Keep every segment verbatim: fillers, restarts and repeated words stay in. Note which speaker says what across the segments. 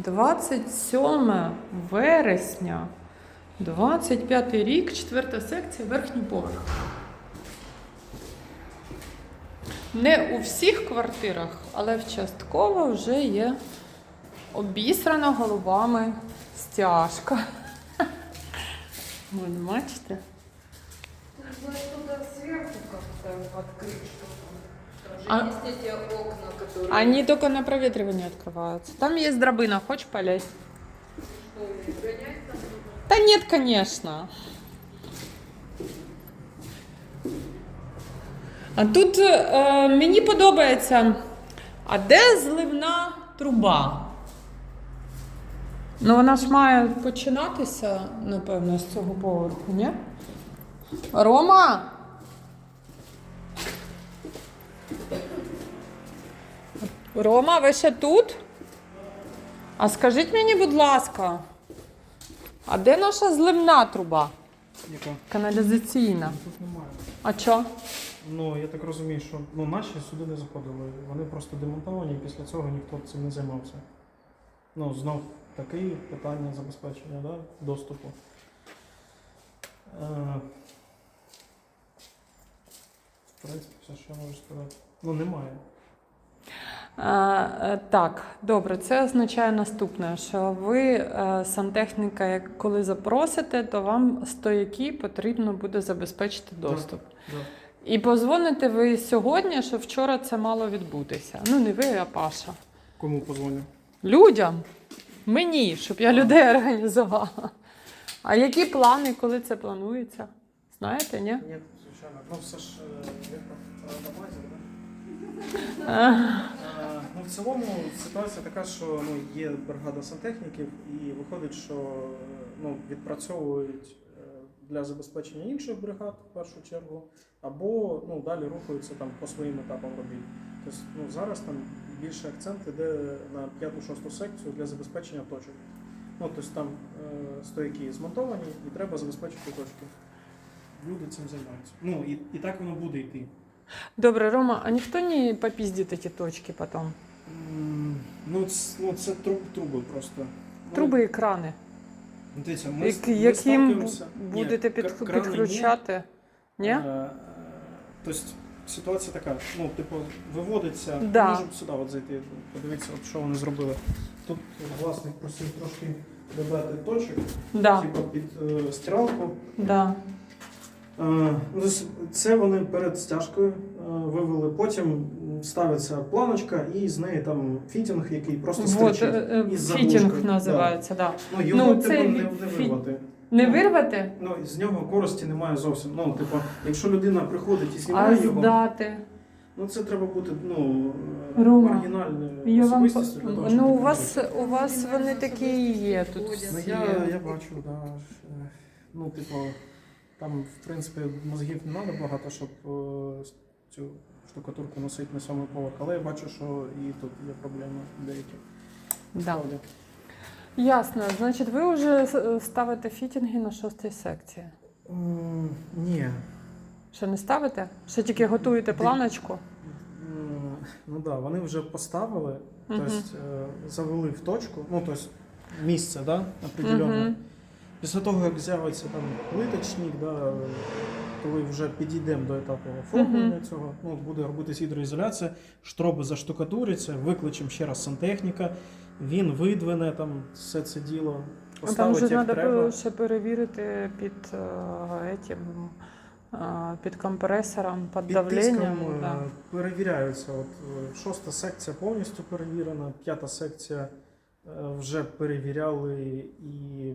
Speaker 1: двадцять сьоме вересня, двадцять п'ятий рік, четверта секція, верхній поверх. Не у всіх квартирах, але частково вже є обісрана голубами стяжка. Вон, бачите?
Speaker 2: Туда сверху как-то открыть что-то.
Speaker 1: А-
Speaker 2: Там же есть эти окна, которые...
Speaker 1: Они только на проветривание открываются. Там есть дробина, хочешь полезть?
Speaker 2: Что, гонять там нужно?
Speaker 1: Да нет, конечно. А тут е, мені подобається, а де зливна труба? Ну вона ж має починатися, напевно, з цього поверху, ні? Рома? Рома, ви ще тут? А скажіть мені, будь ласка, а де наша зливна труба?
Speaker 3: Яка?
Speaker 1: Каналізаційна.
Speaker 3: Тут немає.
Speaker 1: А чо?
Speaker 3: Ну, я так розумію, що ну, наші сюди не заходили. Вони просто демонтовані, і після цього ніхто цим не займався. Ну, знов таке питання забезпечення, да? Доступу. Е, в принципі, все, що я можу сказати. Ну, немає.
Speaker 1: А, е, так, добре, це означає наступне, що ви е, сантехніка, як коли запросите, то вам стояки потрібно буде забезпечити доступ.
Speaker 3: Да.
Speaker 1: І позвоните ви сьогодні, що вчора це мало відбутися. Ну, не ви, а Паша.
Speaker 3: Кому позвоню?
Speaker 1: Людям, мені, щоб я людей організувала. А які плани, коли це планується? Знаєте, ні?
Speaker 3: Ні, звичайно. Ну, все ж е, є на базі, да?
Speaker 1: Е,
Speaker 3: Е, Ну, в цілому ситуація така, що ну, є бригада сантехніків, і виходить, що е, ну, відпрацьовують е, для забезпечення інших бригад в першу чергу, або ну, далі рухаються там по своїм етапам робіт. Тобто ну, зараз там більше акцент іде на п'яту-шосту секцію для забезпечення точок. Ну, тобто там е, стояки змонтовані і треба забезпечити точки. Люди цим займаються. Ну і, і так воно буде йти.
Speaker 1: Добре, Рома, а ніхто не попіздить ці точки потім?
Speaker 3: М, Ну, це, ну, це труб, труби просто. Ну,
Speaker 1: Труби і крани.
Speaker 3: Дивіться, ми,
Speaker 1: Як-
Speaker 3: ми
Speaker 1: яким
Speaker 3: сталкуємося-
Speaker 1: будете
Speaker 3: Ні,
Speaker 1: під,
Speaker 3: кр- крани
Speaker 1: підключати? Ні?
Speaker 3: Ні? Е, е, Тобто ситуація така, ну, типу, виводиться,
Speaker 1: Да.
Speaker 3: можемо сюди от зайти, подивитися, от, що вони зробили. Тут власник просив трошки додати точок,
Speaker 1: Да,
Speaker 3: типу під е, стиралку.
Speaker 1: да.
Speaker 3: Е, ну, тобто це вони перед стяжкою е, вивели, потім ставиться планочка і з неї там фітінг, який просто
Speaker 1: Вот,
Speaker 3: стрічить.
Speaker 1: е, е,
Speaker 3: із
Speaker 1: фітінг
Speaker 3: заглушкою.
Speaker 1: називається, да.
Speaker 3: Да. Ну, його
Speaker 1: Ну, це
Speaker 3: типу, не,
Speaker 1: від-
Speaker 3: не
Speaker 1: фі-
Speaker 3: вирвати.
Speaker 1: Не
Speaker 3: Ну,
Speaker 1: вирвати,
Speaker 3: Ну, з нього користі немає зовсім. Ну, типу, якщо людина приходить і
Speaker 1: а
Speaker 3: знімає його,
Speaker 1: здати.
Speaker 3: ну це треба бути ну, е,
Speaker 1: Рома,
Speaker 3: маргінальною
Speaker 1: Я вам... по-
Speaker 3: особистістю для того, щоб
Speaker 1: Ну, у
Speaker 3: таке
Speaker 1: вас,
Speaker 3: робити.
Speaker 1: у вас вони такі і є тут
Speaker 3: Ну,
Speaker 1: всі.
Speaker 3: я, я бачу, да. е, Ну, типу, там, в принципі, мозгів не треба багато, щоб е, цю штукатурку носити на сьомий поверх, але я бачу, що і тут є проблеми деякі.
Speaker 1: Да.
Speaker 3: Справді.
Speaker 1: Ясно. Значить, ви вже с- ставите фітінги на шостій секції.
Speaker 3: М, Ні.
Speaker 1: Ще не ставите? Ще тільки готуєте планочку?
Speaker 3: М, Ну так, да, вони вже поставили,
Speaker 1: Мгм.
Speaker 3: тобто е, завели в точку, ну тобто місце, да, определенне.
Speaker 1: Мгм.
Speaker 3: Після того, як з'явиться там плиточник, да, коли вже підійдемо до етапу оформлення
Speaker 1: Мгм.
Speaker 3: цього, ну, буде робитись гідроізоляція, штроби заштукатуряться, викличемо ще раз сантехніка, він видвине там все це діло,
Speaker 1: А Там
Speaker 3: поставить
Speaker 1: вже
Speaker 3: як
Speaker 1: треба
Speaker 3: треба.
Speaker 1: ще перевірити під, е, етім, е, під компресором, під,
Speaker 3: Під
Speaker 1: давленням.
Speaker 3: тиском е,
Speaker 1: Да.
Speaker 3: перевіряються. От, е, шоста секція повністю перевірена, п'ята секція е, вже перевіряли і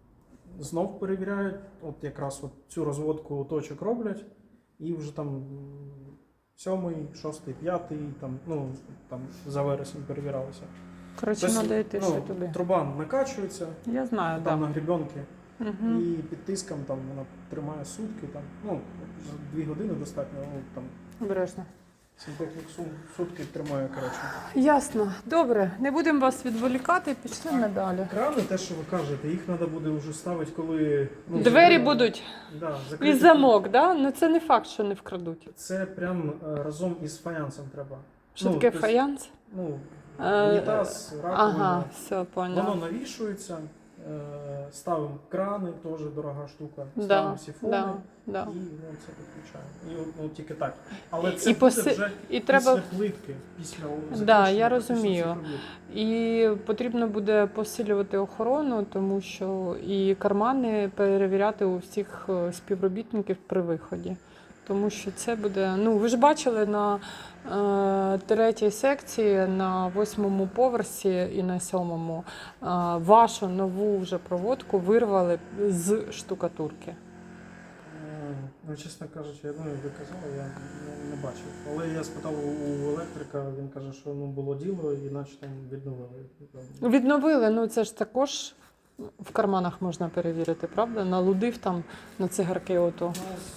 Speaker 3: знов перевіряють. От якраз от цю розводку точок роблять, і вже там м, сьомий, шостий, п'ятий, там, ну, там за вересень перевірялися.
Speaker 1: Коротше,
Speaker 3: Тобто,
Speaker 1: треба йти ще
Speaker 3: ну,
Speaker 1: туди.
Speaker 3: труба накачується,
Speaker 1: Я знаю,
Speaker 3: там
Speaker 1: так.
Speaker 3: на гребенки,
Speaker 1: Угу.
Speaker 3: і під тиском там вона тримає сутки, там, ну, за дві години достатньо, ну, там
Speaker 1: Обережно.
Speaker 3: сантехнік сум- сутки тримає, коротше.
Speaker 1: Ясно. Добре, не будемо вас відволікати, пішли ми далі.
Speaker 3: Крани, те, що ви кажете, їх треба буде вже ставити, коли... Ну,
Speaker 1: Двері
Speaker 3: закрили-
Speaker 1: будуть
Speaker 3: Да,
Speaker 1: і
Speaker 3: закриті.
Speaker 1: замок, да? Ну це не факт, що не вкрадуть.
Speaker 3: Це прям е, разом із фаянсом треба.
Speaker 1: Що
Speaker 3: Ну,
Speaker 1: таке
Speaker 3: тобто,
Speaker 1: фаянс?
Speaker 3: Ну,
Speaker 1: Е,
Speaker 3: Унітаз, раковина.
Speaker 1: Ага, все,
Speaker 3: Воно
Speaker 1: поняла.
Speaker 3: навішується, е, ставимо крани, теж дорога штука.
Speaker 1: Да,
Speaker 3: Ставимо сіфони
Speaker 1: да, да.
Speaker 3: і ну, це підключаємо. І от, ну, тільки так. Але
Speaker 1: І
Speaker 3: це буде
Speaker 1: поси-
Speaker 3: вже
Speaker 1: і
Speaker 3: після
Speaker 1: треба-
Speaker 3: плитки, після
Speaker 1: Да,
Speaker 3: закінчення,
Speaker 1: я
Speaker 3: після
Speaker 1: розумію.
Speaker 3: всіх робіт.
Speaker 1: І потрібно буде посилювати охорону, тому що і кармани перевіряти у всіх е, співробітників при виході. Тому що це буде. Ну, ви ж бачили на е, третій секції, на восьмому поверсі і на сьомому е, вашу нову вже проводку вирвали з штукатурки.
Speaker 3: Е, Ну, чесно кажучи, я ну, як ви казали, я не, не бачив. Але я спитав у електрика, він каже, що ну, було діло, і наче там відновили.
Speaker 1: Відновили, ну це ж також в карманах можна перевірити, правда? Налудив там на цигарки ото.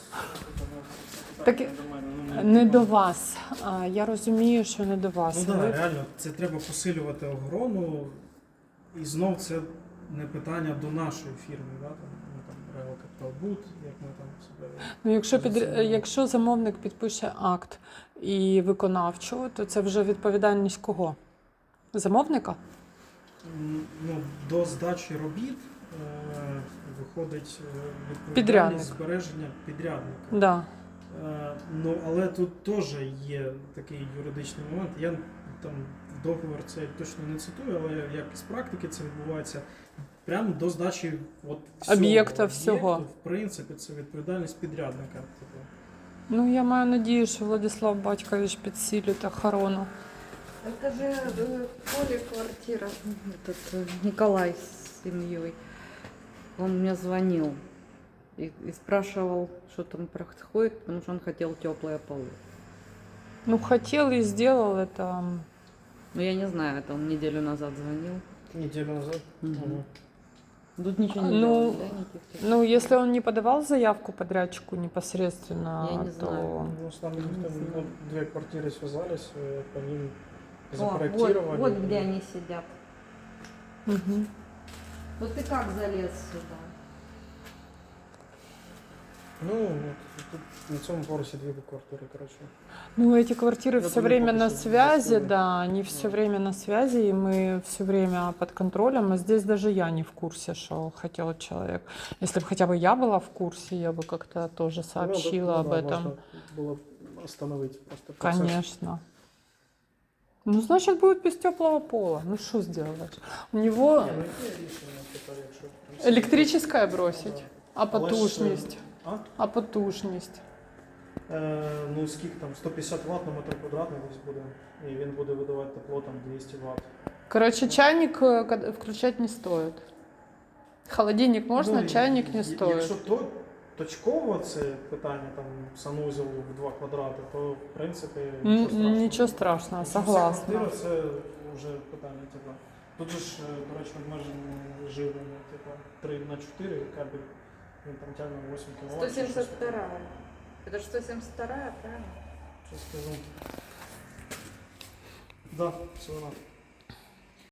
Speaker 1: Так,
Speaker 3: Так, до мене, ну, мені
Speaker 1: Не
Speaker 3: цікаво.
Speaker 1: до вас. А, Я розумію, що не до вас.
Speaker 3: Ну так,
Speaker 1: Ви-
Speaker 3: да, реально, це треба посилювати охорону, і знов це не питання до нашої фірми, да? там, ну, там, Real Capital Boot, як ми там себе.
Speaker 1: Ну, якщо, під...
Speaker 3: позиціонуємо.
Speaker 1: якщо замовник підпише акт і виконавчого, то це вже відповідальність кого? Замовника?
Speaker 3: М, Ну, до здачі робіт е, виходить е, відповідальність
Speaker 1: Підрядник.
Speaker 3: збереження підрядника.
Speaker 1: Да.
Speaker 3: Е, Ну, але тут теж є такий юридичний момент. Я там в договор це точно не цитую, але як із практики це відбувається прямо до здачі от всього,
Speaker 1: Об'єкта всього.
Speaker 3: об'єкту. В принципі, це відповідальність підрядника. Типу.
Speaker 1: Ну, я маю надію, що Владислав Батькович підсилить охорону.
Speaker 2: Это же э, Коля квартира. Этот э, Николай с семьей. Он мне звонил и, и спрашивал, что там происходит, потому что он хотел теплые полы.
Speaker 1: Ну, хотел и сделал это.
Speaker 2: Но я не знаю, это он неделю назад звонил.
Speaker 3: Неділю назад.
Speaker 2: Мгм.
Speaker 3: Мгм.
Speaker 2: Тут ничего не
Speaker 1: Ну,
Speaker 2: делали, да, никаких?
Speaker 1: Ну, если он не подавал заявку подрядчику непосредственно,
Speaker 2: Я не
Speaker 1: то...
Speaker 2: знаю.
Speaker 3: Ну, с нами
Speaker 2: Не
Speaker 3: там,
Speaker 2: знаю.
Speaker 3: ну, две квартиры связались, э, по ним
Speaker 2: О,
Speaker 3: запроектировали.
Speaker 2: вот, вот где они сидят.
Speaker 1: Мгм.
Speaker 2: Вот ты как залез сюда?
Speaker 3: Ну, вот, тут на цьому поверсі дві квартири, коротше.
Speaker 1: Ну, эти квартиры
Speaker 3: Я
Speaker 1: все
Speaker 3: думаю,
Speaker 1: время
Speaker 3: пока
Speaker 1: на
Speaker 3: что
Speaker 1: связи,
Speaker 3: достойно.
Speaker 1: да, они все
Speaker 3: Да.
Speaker 1: время на связи, и мы все время под контролем. А здесь даже я не в курсе, что хотел человек. Если бы хотя бы я была в курсе, я бы как-то тоже сообщила
Speaker 3: Ну,
Speaker 1: об
Speaker 3: да,
Speaker 1: этом.
Speaker 3: Можна було б остановити просто процес.
Speaker 1: Конечно. Ну, значит, будет без теплого пола. Ну, что сделаешь? У него
Speaker 3: Ні, ну, яке рішення тепер, якщо... там
Speaker 1: электрическое
Speaker 3: Ну,
Speaker 1: бросить,
Speaker 3: да.
Speaker 1: а
Speaker 3: Але ж,
Speaker 1: потужність.
Speaker 3: А?
Speaker 1: А потужність.
Speaker 3: Е, ну, скільки там, сто п'ятдесят ватт на метр квадратний десь буде. І він буде видавати тепло там двісті ватт.
Speaker 1: Короче, чайник э, кад- включать не стоит. Холодильник можно,
Speaker 3: Ну,
Speaker 1: чайник не
Speaker 3: і-
Speaker 1: стоит.
Speaker 3: Якщо то, точково це питання там санузел в два квадрати, то в принципі
Speaker 1: М,
Speaker 3: нічого страшного.
Speaker 1: Нічого страшного,
Speaker 3: Якщо вся
Speaker 1: согласна.
Speaker 3: квартира це вже питання, типу. Тут же ж, е, до речі, обмеження живлення, типу, три на чотири кабель, він там тягне вісім кіловат.
Speaker 2: сто семьдесят вторая. Это же сто семьдесят вторая, правильно?
Speaker 3: Що скажу. Да, все вона.